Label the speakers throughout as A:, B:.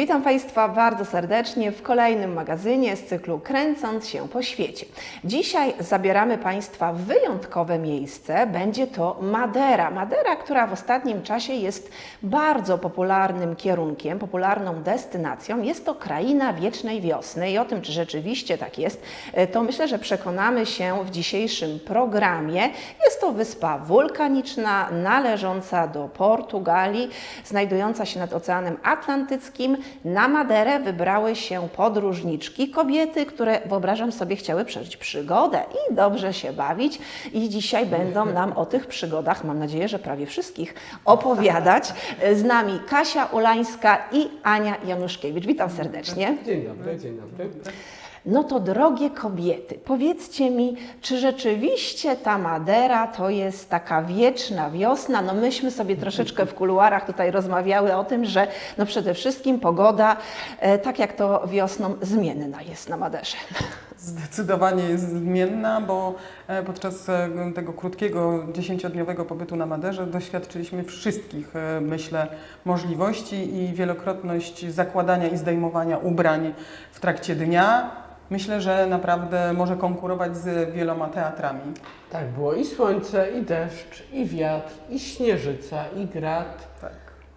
A: Witam Państwa bardzo serdecznie w kolejnym magazynie z cyklu Kręcąc się po świecie. Dzisiaj zabieramy Państwa w wyjątkowe miejsce. Będzie to Madera. Madera, która w ostatnim czasie jest bardzo popularnym kierunkiem, popularną destynacją. Jest to kraina wiecznej wiosny i o tym, czy rzeczywiście tak jest, to myślę, że przekonamy się w dzisiejszym programie. Jest to wyspa wulkaniczna należąca do Portugalii, znajdująca się nad Oceanem Atlantyckim. Na Maderę wybrały się podróżniczki, kobiety, które, wyobrażam sobie, chciały przeżyć przygodę i dobrze się bawić. I dzisiaj będą nam o tych przygodach, mam nadzieję, że prawie wszystkich, opowiadać. Z nami Kasia Ulańska i Ania Januszkiewicz. Witam serdecznie.
B: Dzień dobry, dzień dobry.
A: No to drogie kobiety, powiedzcie mi, czy rzeczywiście ta Madera to jest taka wieczna wiosna? No myśmy sobie troszeczkę w kuluarach tutaj rozmawiały o tym, że no przede wszystkim pogoda, tak jak to wiosną, zmienna jest na Maderze.
C: Zdecydowanie jest zmienna, bo podczas tego krótkiego, 10-dniowego pobytu na Maderze doświadczyliśmy wszystkich, myślę, możliwości i wielokrotność zakładania i zdejmowania ubrań w trakcie dnia. Myślę, że naprawdę może konkurować z wieloma teatrami.
B: Tak, było i słońce, i deszcz, i wiatr, i śnieżyca, i grad.
C: Tak.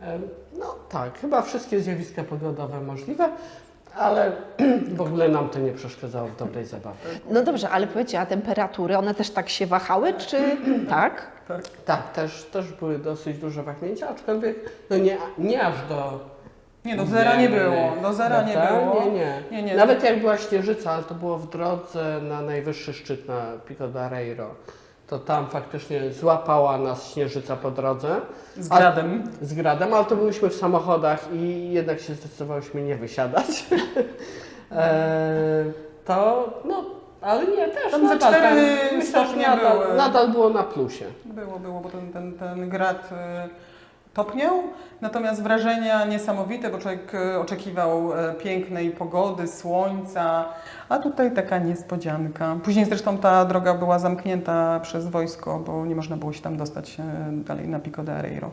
B: No tak, chyba wszystkie zjawiska pogodowe możliwe, ale w ogóle nam to nie przeszkadzało w dobrej zabawie.
A: No dobrze, ale powiedzcie, a temperatury, one też tak się wahały, czy tak?
B: Tak, też były dosyć duże wahnięcia, aczkolwiek no nie aż do...
C: Nie, do zera nie było. Do zera nie było.
B: Nie. Nawet jak była śnieżyca, ale to było w drodze na najwyższy szczyt, na Pico de Areiro, to tam faktycznie złapała nas śnieżyca po drodze.
C: Z gradem.
B: Z gradem, ale to byliśmy w samochodach i jednak się zdecydowałyśmy nie wysiadać. Ale nie, też
C: Tam za 4 stopnie były.
B: Nadal było na plusie.
C: Było, bo ten grad topniał, natomiast wrażenia niesamowite, bo człowiek oczekiwał pięknej pogody, słońca, a tutaj taka niespodzianka. Później zresztą ta droga była zamknięta przez wojsko, bo nie można było się tam dostać dalej na Pico de Areiro.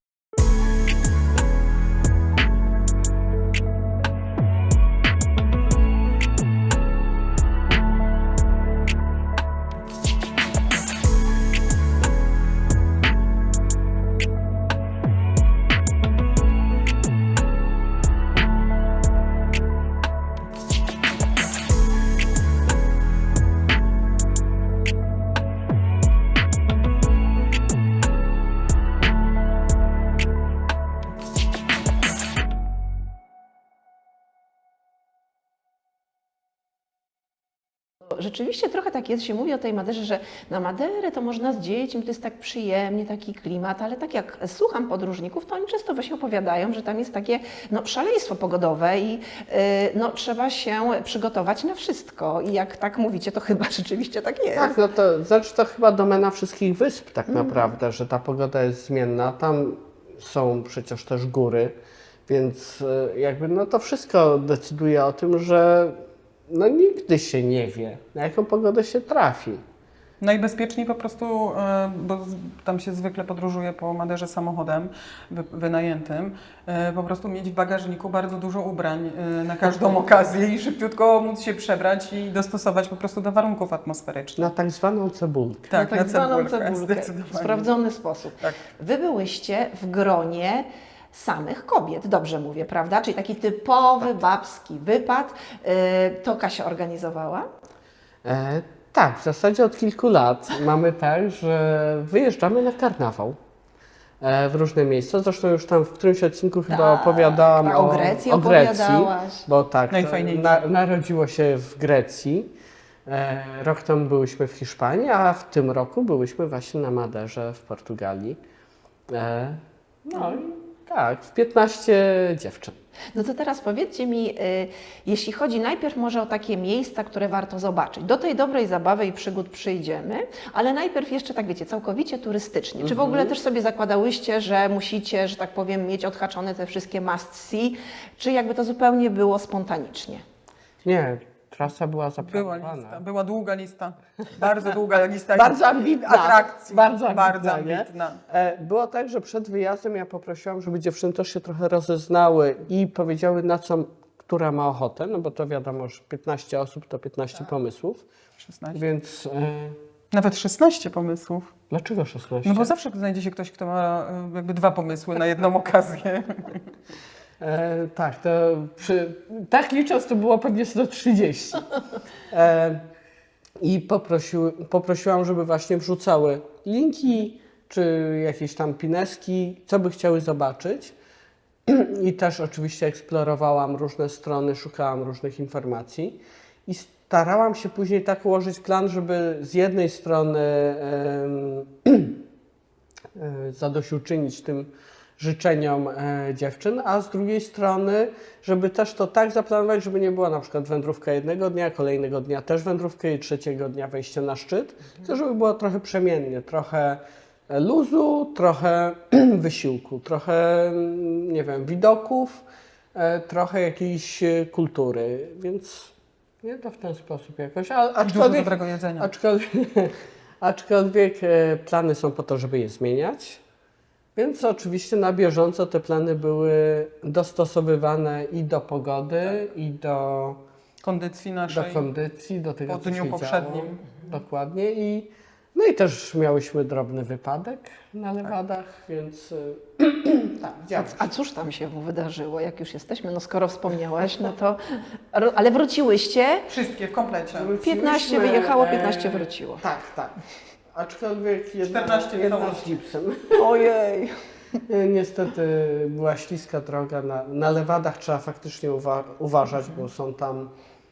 A: Rzeczywiście trochę tak jest, się mówi o tej Maderze, że na Maderę to można z dziećmi, to jest tak przyjemnie, taki klimat, ale tak jak słucham podróżników, to oni często właśnie opowiadają, że tam jest takie szaleństwo pogodowe i trzeba się przygotować na wszystko. I jak tak mówicie, to chyba rzeczywiście tak jest.
B: Tak, no to chyba domena wszystkich wysp tak naprawdę, że ta pogoda jest zmienna. Tam są przecież też góry, więc to wszystko decyduje o tym, że nigdy się nie wie, na jaką pogodę się trafi.
C: Najbezpieczniej po prostu, bo tam się zwykle podróżuje po Maderze samochodem wynajętym, po prostu mieć w bagażniku bardzo dużo ubrań na każdą okazję i szybciutko móc się przebrać i dostosować po prostu do warunków atmosferycznych.
B: Na tak zwaną cebulkę.
C: Tak,
A: na tak zwaną
C: cebulkę,
A: w sprawdzony sposób.
C: Tak.
A: Wy byłyście w gronie samych kobiet, dobrze mówię, prawda? Czyli taki typowy babski wypad. To Kasia organizowała?
B: Tak, w zasadzie od kilku lat mamy tak, że wyjeżdżamy na karnawał w różne miejsca. Zresztą już tam w którymś odcinku chyba opowiadałam
A: o Grecji opowiadałaś.
B: Bo tak,
C: najfajniejsze.
B: Narodziło się w Grecji. Rok temu byłyśmy w Hiszpanii, a w tym roku byłyśmy właśnie na Maderze w Portugalii. Tak, w 15 dziewczyn.
A: No to teraz powiedzcie mi, jeśli chodzi najpierw może o takie miejsca, które warto zobaczyć. Do tej dobrej zabawy i przygód przyjdziemy, ale najpierw jeszcze tak wiecie, całkowicie turystycznie. Czy w ogóle też sobie zakładałyście, że musicie, że tak powiem, mieć odhaczone te wszystkie must see, czy jakby to zupełnie było spontanicznie?
B: Nie, trasa była
C: Była
B: zaplanowana.
C: lista, była długa lista, bardzo długa lista
B: Bardzo ambitna.
C: atrakcji.
B: Bardzo ambitna, nie?
C: ambitna.
B: Było tak, że przed wyjazdem ja poprosiłam, żeby dziewczyny też się trochę rozeznały i powiedziały, na co która ma ochotę, no bo to wiadomo, że 15 osób to 15 pomysłów,
C: 16.
B: więc
C: Nawet 16 pomysłów.
B: dlaczego 16?
C: No bo zawsze znajdzie się ktoś, kto ma jakby 2 pomysły na jedną okazję.
B: Tak, to tak licząc to było pewnie 130. I poprosiłam, żeby właśnie wrzucały linki, czy jakieś tam pineski, co by chciały zobaczyć. I też oczywiście eksplorowałam różne strony, szukałam różnych informacji i starałam się później tak ułożyć plan, żeby z jednej strony zadośćuczynić tym życzeniom dziewczyn, a z drugiej strony, żeby też to tak zaplanować, żeby nie była na przykład wędrówka jednego dnia, kolejnego dnia też wędrówka i trzeciego dnia wejście na szczyt, tylko żeby było trochę przemiennie, trochę luzu, trochę wysiłku, trochę, nie wiem, widoków, trochę jakiejś kultury, więc nie to w ten sposób jakoś,
C: Dużo dobrego jedzenia.
B: Aczkolwiek plany są po to, żeby je zmieniać, więc oczywiście na bieżąco te plany były dostosowywane i do pogody, i do
C: Kondycji naszej.
B: kondycji, do tego,
C: po
B: co
C: dniu
B: się
C: poprzednim.
B: działo. Dokładnie. No i też miałyśmy drobny wypadek na Lewadach, więc tak, działo się.
A: A cóż tam się wydarzyło, jak już jesteśmy? No skoro wspomniałaś, no to... Ale wróciłyście,
C: Wszystkie w komplecie.
A: 15 wyjechało, 15 wróciło.
B: Tak, tak. Aczkolwiek jedna
C: 14
B: z
C: całości.
B: gipsem.
A: Ojej!
B: Niestety była śliska droga. Na Lewadach trzeba faktycznie uważać, bo są tam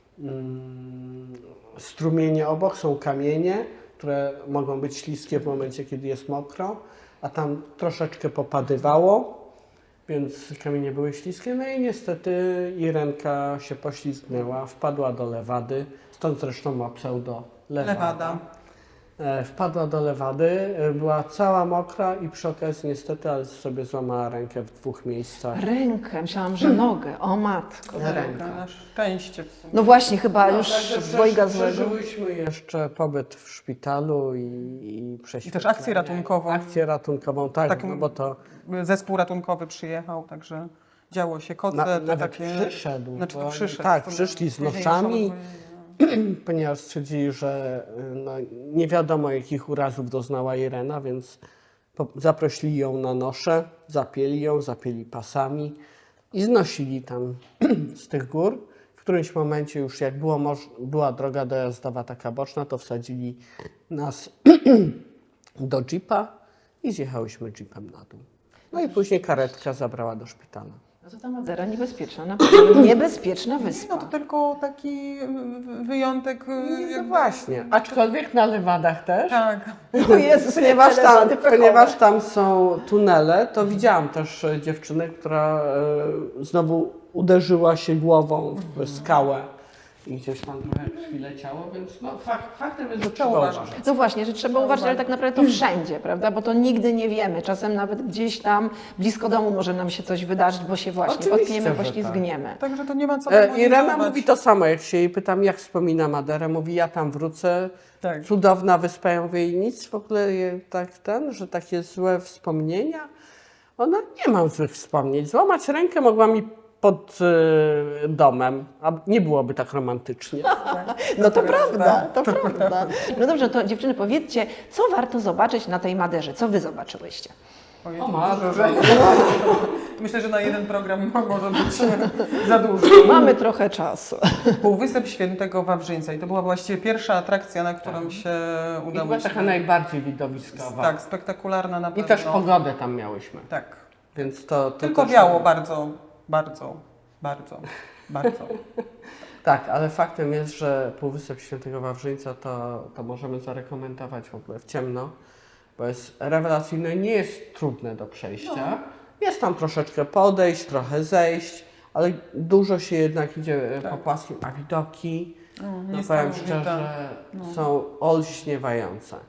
B: strumienie obok, są kamienie, które mogą być śliskie w momencie, kiedy jest mokro, a tam troszeczkę popadywało, więc kamienie były śliskie. No i niestety Irenka się poślizgnęła, wpadła do Lewady, stąd zresztą ma pseudo Lewada. Wpadła do Lewady, była cała mokra i przy okazji niestety, ale sobie złamała rękę w 2 miejscach.
A: Rękę, myślałam, że nogę. O matko.
B: Ręka.
C: Na szczęście w sumie.
A: No właśnie, chyba już
B: Także
A: dwojga złego.
B: przeżyłyśmy jeszcze pobyt w szpitalu i
C: I
B: prześwietlenie.
C: też akcję ratunkową.
B: Akcję ratunkową, tak,
C: Tak,
B: no bo to
C: Zespół ratunkowy przyjechał, także działo się koce,
B: nawet
C: takie...
B: przyszedł.
C: Znaczy to
B: bo-
C: przyszedł.
B: Tak,
C: To
B: przyszli z
C: później
B: noszami,
C: już
B: ponieważ stwierdzili, że no, nie wiadomo jakich urazów doznała Irena, więc zaprosili ją na nosze, zapięli pasami i znosili tam z tych gór. W którymś momencie już jak była droga dojazdowa taka boczna, to wsadzili nas do jeepa i zjechałyśmy jeepem na dół. No i później karetka zabrała do szpitala.
A: No to ta Madera niebezpieczna, naprawdę niebezpieczna
C: No
A: wyspa.
C: to tylko taki wyjątek.
B: No właśnie, aczkolwiek na Lewadach też.
C: Tak.
A: O Jezus,
B: Ponieważ tam są tunele, to widziałam też dziewczynę, która znowu uderzyła się głową w skałę i gdzieś tam trochę krwi leciało, więc no, faktem jest, że trzeba
C: uważać.
B: uważać.
A: No właśnie, że trzeba uważać, ale tak naprawdę to wszędzie, prawda? Bo to nigdy nie wiemy. Czasem nawet gdzieś tam blisko domu może nam się coś wydarzyć, bo się właśnie
B: Oczywiście,
A: potkniemy,
B: że tak.
A: poślizgniemy.
C: Także to nie ma co
B: Irena
C: demonizować.
B: mówi to samo, jak się jej pytam, jak wspomina Maderę, mówi, ja tam wrócę,
C: Tak.
B: cudowna wyspa, ja mówię, i nic w ogóle że takie złe wspomnienia. Ona, nie mam złych wspomnień, złamać rękę mogła mi pod domem, a nie byłoby tak romantycznie.
A: No to prawda, to prawda. No dobrze, to dziewczyny, powiedzcie, co warto zobaczyć na tej Maderze? Co wy zobaczyłyście?
C: Ojej,
B: O
C: to
B: matko.
C: dużo, że... Myślę, że na jeden program może być za dużo.
A: Mamy trochę czasu.
C: Półwysep Świętego Wawrzyńca i to była właściwie pierwsza atrakcja, na którą się
B: I
C: udało
B: była
C: się.
B: taka najbardziej widowiskowa.
C: Tak, spektakularna na
B: I
C: pewno.
B: też pogodę tam miałyśmy.
C: Tak.
B: Więc to
C: Tylko
B: też-
C: wiało bardzo, bardzo, bardzo, bardzo.
B: Tak, ale faktem jest, że Półwysep Świętego Wawrzyńca to możemy zarekomendować w ogóle w ciemno, bo jest rewelacyjne, nie jest trudne do przejścia. Jest tam troszeczkę podejść, trochę zejść, ale dużo się jednak idzie po płaskim, a widoki, no powiem
C: niesamowite.
B: szczerze, są olśniewające.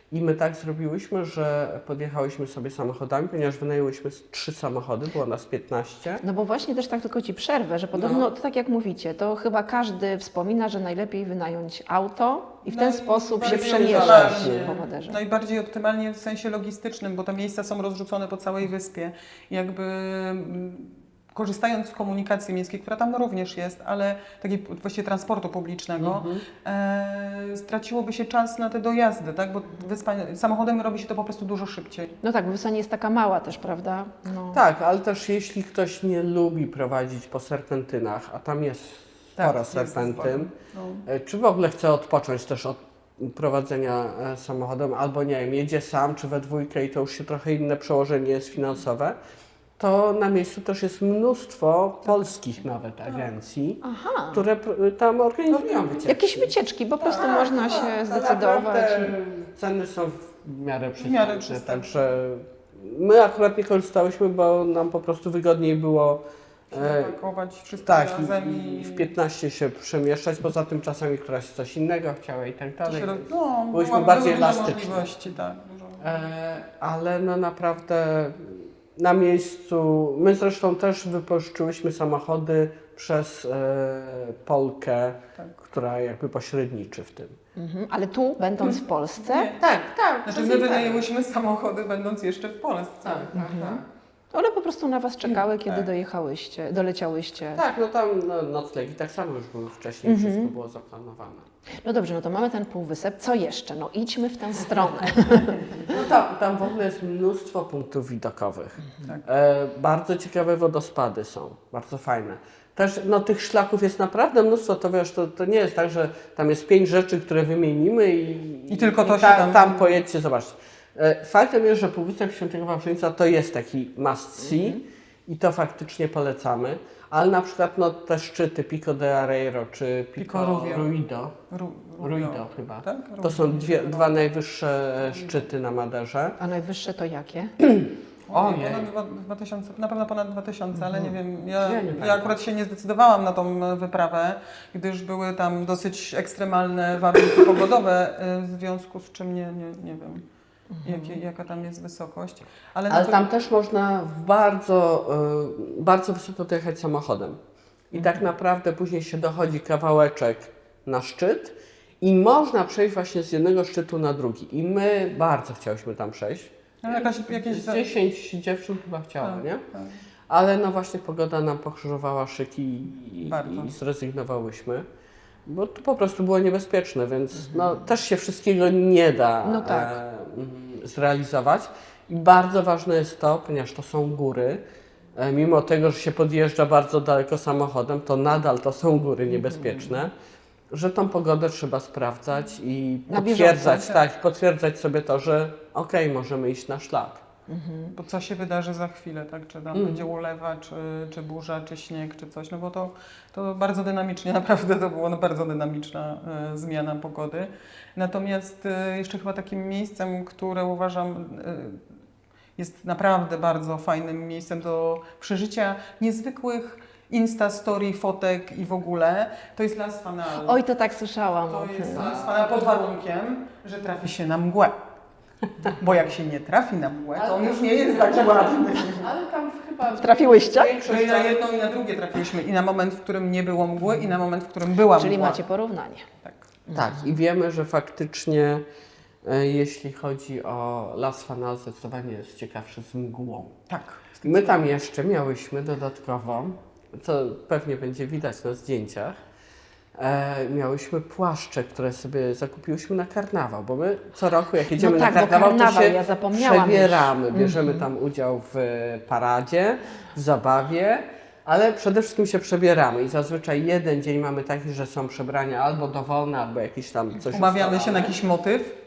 B: I my tak zrobiłyśmy, że podjechałyśmy sobie samochodami, ponieważ wynajęłyśmy 3 samochody, było nas 15.
A: No bo właśnie też tak tylko Ci przerwę, że podobno, to tak jak mówicie, to chyba każdy wspomina, że najlepiej wynająć auto i w ten sposób się
C: Najbardziej
A: przemieszczać
C: optymalnie.
A: po Maderze.
C: Najbardziej optymalnie w sensie logistycznym, bo te miejsca są rozrzucone po całej wyspie. Jakby korzystając z komunikacji miejskiej, która tam również jest, ale takiej właściwie transportu publicznego, straciłoby się czas na te dojazdy, tak? Bo samochodem robi się to po prostu dużo szybciej.
A: No tak, bo Wyspa nie jest taka mała też, prawda? No.
B: Tak, ale też jeśli ktoś nie lubi prowadzić po serpentynach, a tam jest sporo
C: jest
B: serpentyn,
C: sporo.
B: czy w ogóle chce odpocząć też od prowadzenia samochodem, albo nie wiem, jedzie sam czy we dwójkę i to już się trochę inne przełożenie jest finansowe, to na miejscu też jest mnóstwo polskich nawet agencji,
A: Aha,
B: które tam organizują wycieczki.
A: jakieś wycieczki, po prostu można się zdecydować.
B: Naprawdę
A: i-
B: ceny są w miarę
C: miarę
B: przystępne,
C: przystępne.
B: także my akurat nie korzystałyśmy, bo nam po prostu wygodniej było
C: Pakować wszystko
B: tak
C: razem
B: i w 15 się przemieszczać, poza tym czasami któraś coś innego chciała i tak dalej. Byłyśmy bardziej
C: były duże
B: elastyczne.
C: możliwości, tak. Dużo.
B: Ale no naprawdę na miejscu, my zresztą też wypożyczyłyśmy samochody przez Polkę,
C: Tak.
B: która jakby pośredniczy w tym.
A: Mhm. Ale tu, będąc w Polsce,
C: Nie.
B: Tak, tak.
C: Znaczy my wynajęłyśmy samochody będąc jeszcze w Polsce.
B: Tak, tak, tak.
A: one po prostu na Was czekały, kiedy doleciałyście.
B: Tak, no tam noclegi tak samo już były wcześniej, wszystko było zaplanowane.
A: No dobrze, no to mamy ten półwysep. Co jeszcze? No idźmy w tę stronę.
B: No tam w ogóle jest mnóstwo punktów widokowych.
C: Tak.
B: Bardzo ciekawe wodospady są, bardzo fajne. Też no, tych szlaków jest naprawdę mnóstwo, to wiesz, to nie jest tak, że tam jest 5 rzeczy, które wymienimy i
C: tylko to się tam-
B: tam pojedźcie, zobaczcie. Faktem jest, że Półwysep Świętego Wawrzyńca to jest taki must see i to faktycznie polecamy, ale na przykład no, te szczyty Pico de Areiro czy
C: Pico
B: Pico
C: Rubio.
B: Ruido,
C: Rubio
B: chyba,
C: tak?
B: to są dwa najwyższe szczyty na Maderze.
A: A najwyższe to jakie?
C: Ojej.
B: Ojej.
C: Ponad 2000, na pewno ponad 2000, ale nie wiem, ja
B: Ja nie pamiętam.
C: akurat się nie zdecydowałam na tą wyprawę, gdyż były tam dosyć ekstremalne warunki pogodowe, w związku z czym nie wiem, jaka tam jest wysokość. Ale,
B: Ale tam też można bardzo wysoko dojechać samochodem. I tak naprawdę później się dochodzi kawałeczek na szczyt i można przejść właśnie z jednego szczytu na drugi. I my bardzo chciałyśmy tam przejść.
C: jakieś
B: Z 10 dziewczyn chyba chciało,
C: Tak,
B: nie?
C: tak.
B: Ale no właśnie pogoda nam pokrzyżowała szyki
C: Bardzo.
B: i zrezygnowałyśmy. Bo to po prostu było niebezpieczne, więc no, też się wszystkiego nie da
A: No tak.
B: zrealizować. I bardzo ważne jest to, ponieważ to są góry, mimo tego, że się podjeżdża bardzo daleko samochodem, to nadal to są góry niebezpieczne, że tą pogodę trzeba sprawdzać i
A: Na
B: potwierdzać,
C: bieżąco,
B: tak, potwierdzać sobie to, że okej, możemy iść na szlak.
C: Bo co się wydarzy za chwilę, tak? Czy tam będzie ulewa, czy burza, czy śnieg, czy coś, no bo to bardzo dynamicznie, naprawdę to była bardzo dynamiczna zmiana pogody. Natomiast jeszcze chyba takim miejscem, które uważam jest naprawdę bardzo fajnym miejscem do przeżycia niezwykłych Story, fotek i w ogóle, to jest Las Fanal.
A: Oj, to tak słyszałam o
C: To
A: tym.
C: jest Las Fanal pod warunkiem, że trafi się na mgłę. Bo jak się nie trafi na mgłę, to on już nie jest tak ładny.
B: Ale tam chyba
A: Trafiłyście?
C: My na jedno i na drugie trafiliśmy. I na moment, w którym nie było mgły, i na moment, w którym była
A: Czyli
C: mgła.
A: macie porównanie.
C: Tak.
B: Tak, i wiemy, że faktycznie jeśli chodzi o Las Fanal, zdecydowanie jest ciekawszy z mgłą.
C: Tak.
B: My tam jeszcze miałyśmy dodatkowo, co pewnie będzie widać na zdjęciach, miałyśmy płaszcze, które sobie zakupiłyśmy na karnawał, bo my co roku jak jedziemy
A: No tak,
B: na
A: bo
B: karnawał, to
A: karnawał,
B: się
A: ja zapomniałam
B: przebieramy, bierzemy tam udział w paradzie, w zabawie, ale przede wszystkim się przebieramy i zazwyczaj jeden dzień mamy taki, że są przebrania albo dowolne, albo jakieś tam coś
C: Umawiamy się
B: ustalone.
C: na jakiś motyw.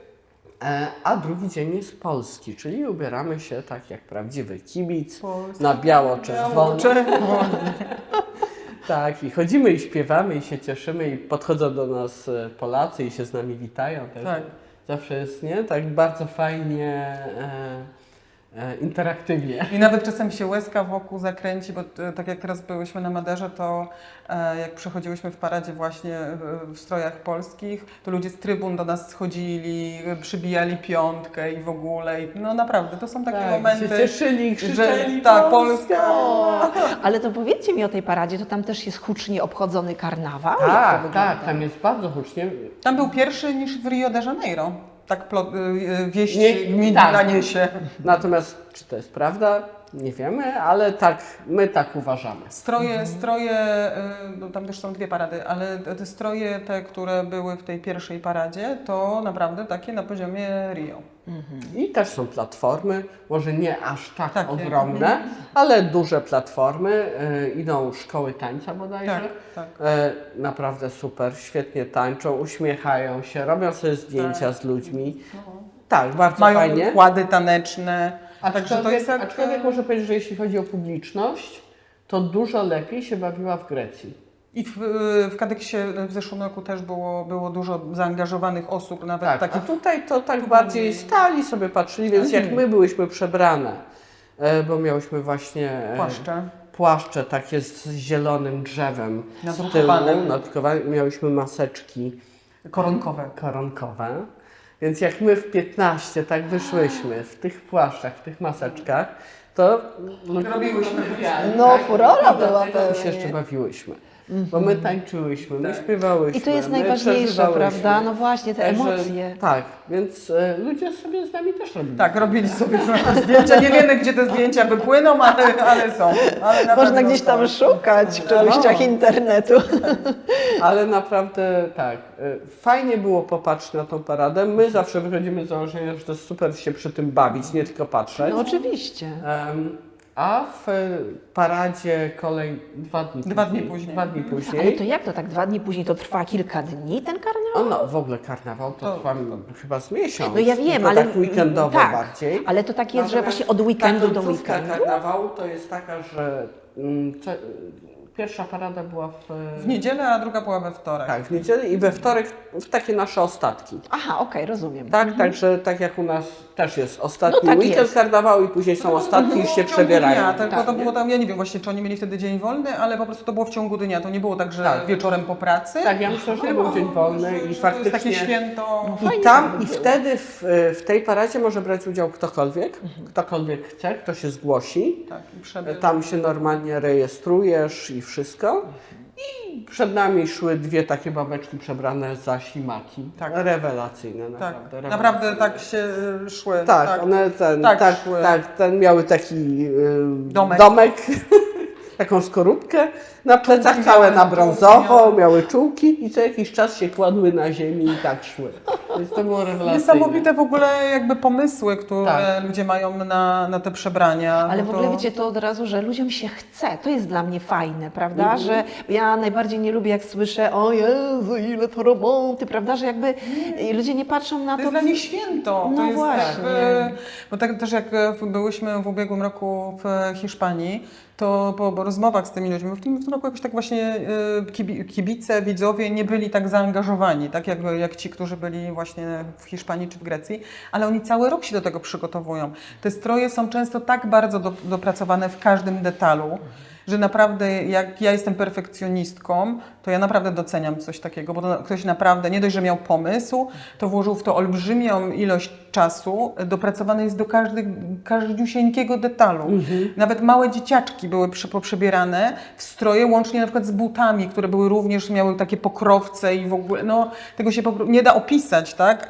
B: A drugi dzień jest polski, czyli ubieramy się tak jak prawdziwy kibic,
C: Polski.
B: na biało-czerwono.
C: Czerwony.
B: Tak, i chodzimy i śpiewamy i się cieszymy i podchodzą do nas Polacy i się z nami witają. Też.
C: Tak.
B: Zawsze jest, nie? Tak bardzo fajnie interaktywnie.
C: I nawet czasem się łezka wokół zakręci, bo tak jak teraz byłyśmy na Maderze, to jak przechodziłyśmy w paradzie właśnie w strojach polskich, to ludzie z trybun do nas schodzili, przybijali piątkę i w ogóle. I, no naprawdę, to są takie momenty,
B: się cieszyli, krzyczeli,
C: że tak, Polska!
A: Ale to powiedzcie mi o tej paradzie, to tam też jest hucznie obchodzony karnawał? Jak to
B: Tak,
A: wygląda?
B: tak, tam jest bardzo hucznie.
C: Tam był pierwszy niż w Rio de Janeiro. Tak wieść mi
B: tak.
C: naniesie.
B: Natomiast czy to jest prawda? Nie wiemy, ale tak, my tak uważamy.
C: Stroje, no tam też są dwie parady, ale te stroje, te, które były w tej pierwszej paradzie, to naprawdę takie na poziomie Rio.
B: I też są platformy, może nie aż tak
C: Takie.
B: ogromne, ale duże platformy. Idą szkoły tańca bodajże.
C: Tak, tak.
B: Naprawdę super, świetnie tańczą, uśmiechają się, robią sobie zdjęcia z ludźmi. Tak, bardzo
C: Mają
B: fajnie.
C: układy taneczne. Także to jest jak...
B: Aczkolwiek muszę powiedzieć, że jeśli chodzi o publiczność, to dużo lepiej się bawiła w Grecji.
C: I w Kadeksie w zeszłym roku też było dużo zaangażowanych osób, nawet
B: Tak, a
C: takich...
B: tutaj to tak bardziej stali sobie patrzyli, więc jak my byłyśmy przebrane, bo miałyśmy właśnie płaszcze takie z zielonym drzewem
C: Nadrukowane.
B: z tyłu, nadrukowane, miałyśmy maseczki koronkowe. Więc jak my w 15 tak wyszłyśmy w tych płaszczach, w tych maseczkach, to
C: Robiłyśmy
A: No, furora była
B: dlatego się
A: pewnie.
B: jeszcze bawiłyśmy. Bo my tańczyłyśmy, my śpiewałyśmy.
A: I to jest
B: my
A: najważniejsze,
B: przeżywałyśmy.
A: prawda? No właśnie, te
B: Także
A: emocje.
B: tak, więc ludzie sobie z nami też robili.
C: Tak, robili sobie zdjęcia. Nie wiemy, gdzie te zdjęcia wypłyną, ale są. Ale na
A: Można
C: pewno
A: gdzieś tam
C: są.
A: szukać w czeluściach internetu.
B: Ale naprawdę tak, fajnie było popatrzeć na tą paradę. My zawsze wychodzimy z założenia, że to jest super się przy tym bawić, nie tylko patrzeć.
A: No oczywiście.
B: A w paradzie kolej 2 dni
C: Dwa dni później.
B: 2 dni później.
A: Ale to jak to tak 2 dni później to trwa kilka dni ten karnawał?
B: No w ogóle karnawał to trwa chyba z miesiąc.
A: No ja wiem,
B: to
A: ale
B: tak weekendowo
A: tak,
B: bardziej.
A: ale to tak jest, że
B: Natomiast
A: właśnie od weekendu
B: ta
A: do
B: końcówka
A: weekendu.
B: karnawału to jest taka, że pierwsza parada była
C: W niedzielę, a druga była we wtorek.
B: tak, w niedzielę i we wtorek w takie nasze ostatki.
A: Aha, okej, rozumiem.
B: Tak, także tak jak u nas też jest ostatni
A: No tak
B: weekend
A: jest.
B: karnawału i później są ostatki i
C: w
B: się
C: ciągu
B: przebierają.
C: Dnia, tak, bo
A: Tak,
C: to
A: nie?
C: było tam, ja nie wiem właśnie, czy oni mieli wtedy dzień wolny, ale po prostu to było w ciągu dnia. To nie było tak, że
B: Tak.
C: wieczorem po pracy.
B: Tak, ja myślę, że to był dzień wolny i
C: Że to jest takie
B: faktycznie...
C: święto.
B: I tam, i wtedy w tej paradzie może brać udział ktokolwiek chce, kto się zgłosi.
C: Tak, i przebieg.
B: Tam się normalnie rejestrujesz i wszystko. I przed nami szły dwie takie babeczki przebrane za ślimaki.
C: Tak.
B: Rewelacyjne,
C: Tak,
B: naprawdę.
C: naprawdę tak się szły.
B: Tak, one
C: szły.
B: ten miały taki
C: Domek.
B: domek taką skorupkę, na plecach całe na brązowo, miały czułki i co jakiś czas się kładły na ziemi i tak szły. Więc to było rewelacyjne.
C: Niesamowite w ogóle jakby pomysły, które
B: Tak.
C: ludzie mają na te przebrania.
A: Ale
C: No
A: w
C: to-
A: ogóle wiecie to od razu, że ludziom się chce. To jest dla mnie fajne, prawda? Że ja najbardziej nie lubię, jak słyszę, o Jezu, ile to roboty, prawda? Że jakby ludzie nie patrzą na
C: To jest dla nich święto.
A: No
C: to jest
A: właśnie.
C: Jakby, bo tak też jak byłyśmy w ubiegłym roku w Hiszpanii, to po rozmowach z tymi ludźmi, w tym roku jakoś tak właśnie kibice, widzowie nie byli tak zaangażowani, tak jak ci, którzy byli właśnie w Hiszpanii czy w Grecji, ale oni cały rok się do tego przygotowują. Te stroje są często tak bardzo dopracowane w każdym detalu, że naprawdę jak ja jestem perfekcjonistką, to ja naprawdę doceniam coś takiego, bo to ktoś naprawdę nie dość, że miał pomysł, to włożył w to olbrzymią ilość czasu, dopracowany jest do każdziusieńkiego detalu. Nawet małe dzieciaczki były poprzebierane w stroje, łącznie na przykład z butami, które były również, miały takie pokrowce i w ogóle, no tego się nie da opisać, tak,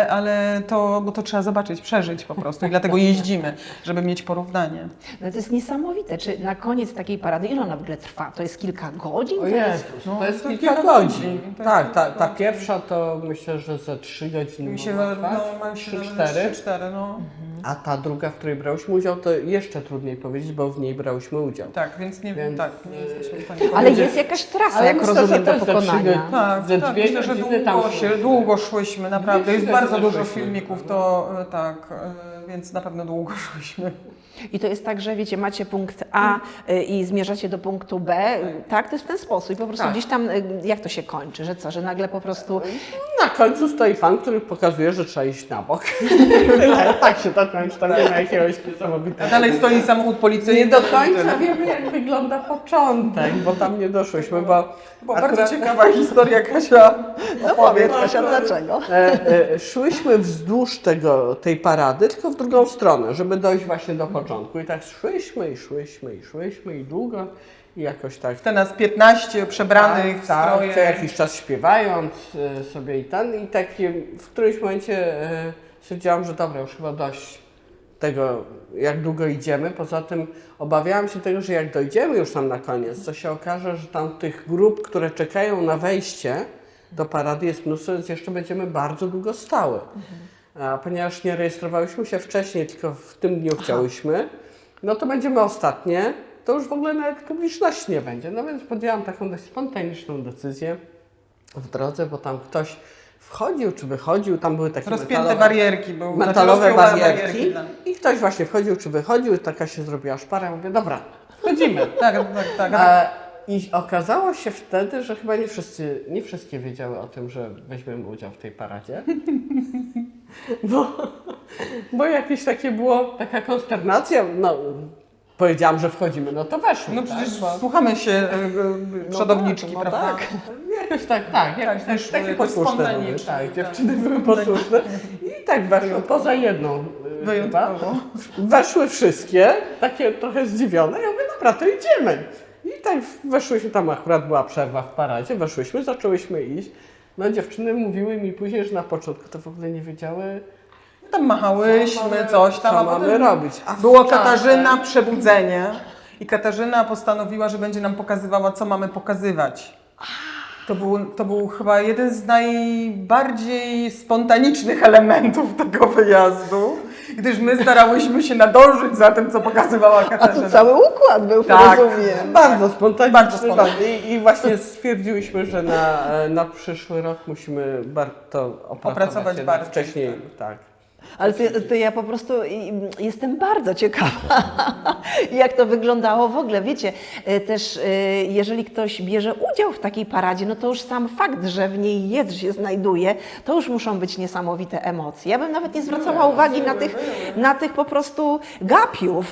C: ale bo to trzeba zobaczyć, przeżyć po prostu i dlatego jeździmy, żeby mieć porównanie.
A: No to jest niesamowite. Czy na koniec takiej parady, ile ona w ogóle trwa? To jest kilka godzin?
B: O
A: To jest...
B: Jezus, to jest
C: to
B: kilka
C: kilka
B: godzin.
C: godzin. To jest
B: Tak,
C: kilka
B: ta
C: godzin.
B: pierwsza to myślę, że ze 3 godziny
C: Mi się,
B: mogła trwać,
C: ma się
B: 3-4.
C: 3-4, no.
B: A ta druga, w której brałyśmy udział, to jeszcze trudniej powiedzieć, bo w niej brałyśmy udział.
C: Tak, więc nie
B: Więc,
C: tak, nie jesteśmy w stanie
A: Ale
C: powiedzieć.
A: jest jakaś trasa,
B: Ale
A: jak
B: myślę,
A: rozumiem,
B: że
A: do
B: też za 3
A: pokonania.
B: godziny.
C: Tak,
B: Ze
C: tak,
B: dwie
C: myślę, że
B: godziny tam szłyśmy.
C: długo szłyśmy, naprawdę. Jest
B: Dwie
C: bardzo
B: godziny
C: dużo
B: szłyśmy.
C: filmików, to tak, więc na pewno długo szłyśmy.
A: I to jest tak, że wiecie, macie punkt A i zmierzacie do punktu B, tak? To jest w ten sposób. I po prostu
B: Tak.
A: gdzieś tam, jak to się kończy, że co, że nagle po prostu...
B: Na końcu stoi pan, który pokazuje, że trzeba iść na bok. Tak się tak końca, tam nie ma jakiegoś
C: A
B: niesamowitego.
C: dalej stoi samochód policyjny.
B: Nie do końca wiemy, jak wygląda początek, bo tam nie doszłyśmy, bo
C: Bardzo ciekawa historia, Kasia.
A: No powiedz, Kasia, dlaczego?
B: szłyśmy wzdłuż tej parady, tylko w drugą stronę, żeby dojść właśnie do początku. I tak szłyśmy i długo i jakoś tak.
C: Te nas 15 przebranych w stroje.
B: co jakiś czas śpiewając sobie i tak w którymś momencie stwierdziłam, że dobra, już chyba dość tego, jak długo idziemy. Poza tym obawiałam się tego, że jak dojdziemy już tam na koniec, to się okaże, że tam tych grup, które czekają na wejście do parady jest mnóstwo, więc jeszcze będziemy bardzo długo stały. A ponieważ nie rejestrowałyśmy się wcześniej, tylko w tym dniu chciałyśmy, no to będziemy ostatnie, to już w ogóle nawet publiczności nie będzie. No więc podjęłam taką dość spontaniczną decyzję w drodze, bo tam ktoś wchodził czy wychodził, tam były takie
C: Rozpięte barierki.
B: metalowe barierki
C: barierki.
B: i ktoś właśnie wchodził czy wychodził i taka się zrobiła szpara. Mówię, dobra, wchodzimy.
C: Tak.
B: I okazało się wtedy, że chyba nie wszystkie wiedziały o tym, że weźmiemy udział w tej paradzie. Bo jakieś takie taka konsternacja. No, powiedziałam, że wchodzimy, no to weszły.
C: No przecież
B: tak,
C: słuchamy się przodowniczki,
A: no
C: prawda?
A: tak.
B: Jakoś jakoś
C: wyszły
B: takie
C: jakoś
B: posłuszne były,
C: spontanicznie,
B: tak,
C: tak.
B: dziewczyny były posłuszne i tak weszły, poza jedną
C: Wyjątkowo.
B: chyba, weszły wszystkie, takie trochę zdziwione, ja mówię, dobra, to idziemy. I tak weszłyśmy, tam akurat była przerwa w paradzie, weszłyśmy, zaczęłyśmy iść. No dziewczyny mówiły mi później, że na początku to w ogóle nie wiedziały,
C: Tam machałyśmy, coś tam.
B: co
C: a
B: mamy
C: potem
B: robić. A w
C: Było
B: czasie-
C: Katarzyna Przebudzenie i Katarzyna postanowiła, że będzie nam pokazywała, co mamy pokazywać. To był chyba jeden z najbardziej spontanicznych elementów tego wyjazdu, gdyż my starałyśmy się nadążyć za tym, co pokazywała
A: A
C: Katarzyna.
A: tu cały układ był,
C: Tak.
A: rozumiem.
B: Bardzo spontanicznie.
C: Bardzo spontanicznie.
B: Tak. I właśnie stwierdziłyśmy, że na przyszły rok musimy to opracować jednak
C: bardziej,
B: wcześniej. Tak.
A: Ale to ja po prostu jestem bardzo ciekawa, jak to wyglądało w ogóle. Wiecie, też jeżeli ktoś bierze udział w takiej paradzie, no to już sam fakt, że w niej jest, że się znajduje, to już muszą być niesamowite emocje. Ja bym nawet nie zwracała uwagi na tych po prostu gapiów.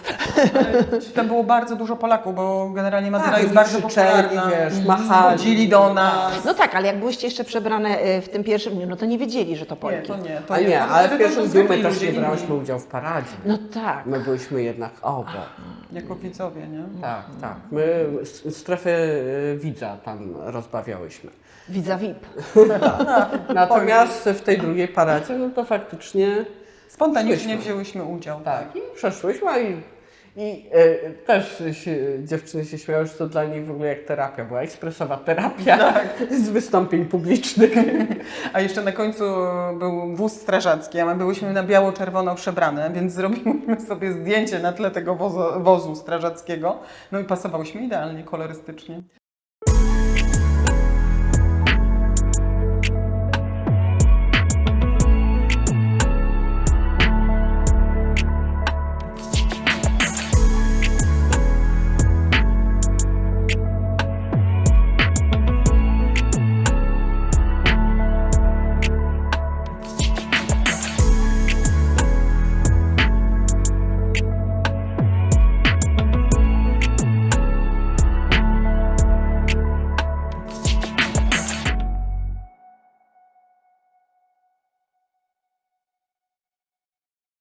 C: Tam było bardzo dużo Polaków, bo generalnie Madeira
B: Tak,
C: jest bardzo
B: krzyczeli,
C: popularna.
B: wiesz, machali.
C: Chodzili do nas.
A: No tak, ale jak byłyście jeszcze przebrane w tym pierwszym dniu, no to nie wiedzieli, że to
C: Nie,
A: Polki.
C: to nie.
B: A nie, ale w pierwszym dniu my
C: zwykli
B: też
C: ludzie
B: nie
C: inni.
B: brałyśmy udziału w paradzie.
A: No tak.
B: My byliśmy jednak obok.
C: Jako widzowie, nie?
B: Tak. My strefę widza tam rozbawiałyśmy.
A: Widza VIP.
B: Natomiast w tej drugiej paradzie, no to faktycznie
C: Spontanicznie
B: szłyśmy.
C: wzięłyśmy udział.
B: Tak, i przeszłyśmy i też dziewczyny się śmiały, że to dla nich w ogóle jak terapia była, ekspresowa terapia z wystąpień publicznych.
C: A jeszcze na końcu był wóz strażacki, a my byłyśmy na biało-czerwono przebrane, więc zrobiłyśmy sobie zdjęcie na tle tego wozu strażackiego. No i pasowałyśmy idealnie kolorystycznie.